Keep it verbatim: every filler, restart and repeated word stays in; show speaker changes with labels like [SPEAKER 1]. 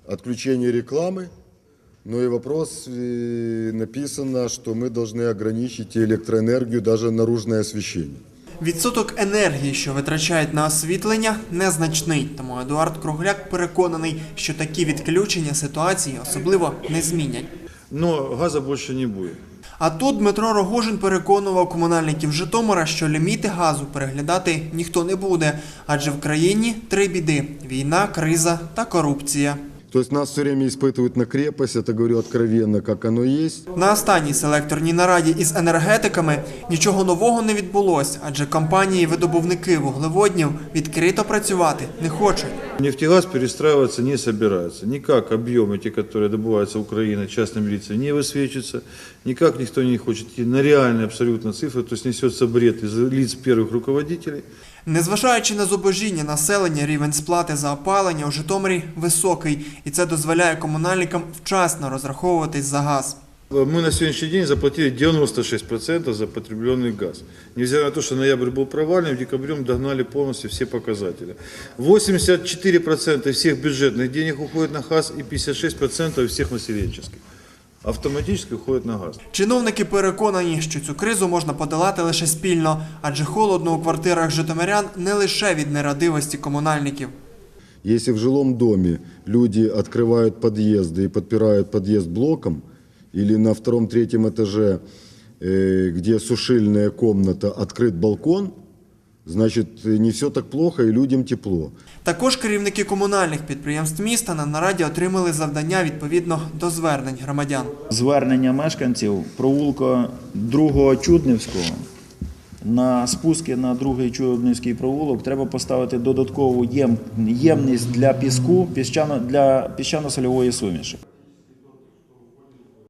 [SPEAKER 1] отключение рекламы, но и вопрос э, написано, что мы должны ограничить электроэнергию, даже наружное освещение.
[SPEAKER 2] Відсоток енергії, що витрачають на освітлення, незначний. Тому Едуард Кругляк переконаний, що такі відключення ситуації особливо не змінять.
[SPEAKER 3] Но газа більше не буде.
[SPEAKER 2] А тут Дмитро Рогожин переконував комунальників Житомира, що ліміти газу переглядати ніхто не буде. Адже в країні три біди – війна, криза та корупція.
[SPEAKER 1] То есть нас все время испытывают на крепость, это говорю откровенно, как оно есть.
[SPEAKER 2] На останній селекторній нараді із енергетиками нічого нового не відбулося, адже компанії-видобувники вуглеводнів відкрито працювати не хочуть.
[SPEAKER 3] Нефтегаз перестраиваться не собирается. Никак объемы, те, которые добываются Украиной частными лицами, не высвечиваются. Никак никто не хочет идти на реальные абсолютно цифры. То есть несется бред из лиц первых руководителей.
[SPEAKER 2] Незважаючи на зубожіння населення, рівень сплати за опалення у Житомирі високий. І це дозволяє комунальникам вчасно розраховуватись за газ.
[SPEAKER 3] Мы на сегодняшний день заплатили девяносто шесть процентов за потребленный газ. Невзирая на то, что ноябрь был провальным, в декабре мы догнали полностью все показатели. восемьдесят четыре процента всех бюджетных денег уходит на газ и пятьдесят шесть процентов всех населенческих. Автоматически уходит на газ.
[SPEAKER 2] Чиновники переконані, що цю кризу можна подолати лише спільно, адже холодно у квартирах житомирян не лише від нерадивості комунальників.
[SPEAKER 1] Если в жилом доме люди открывают подъезды и подпирают подъезд блоком, или на втором-третьем этаже, где сушильная комната, открыт балкон, значит, не все так плохо и людям тепло.
[SPEAKER 2] Також керівники комунальних підприємств міста на нараді отримали завдання відповідно до звернень громадян.
[SPEAKER 4] Звернення мешканців провулка другого Чуднівського на спуски на другий Чуднівський провулок треба поставити додаткову єм, ємність для піску, піщано, для піщано-сольової суміші.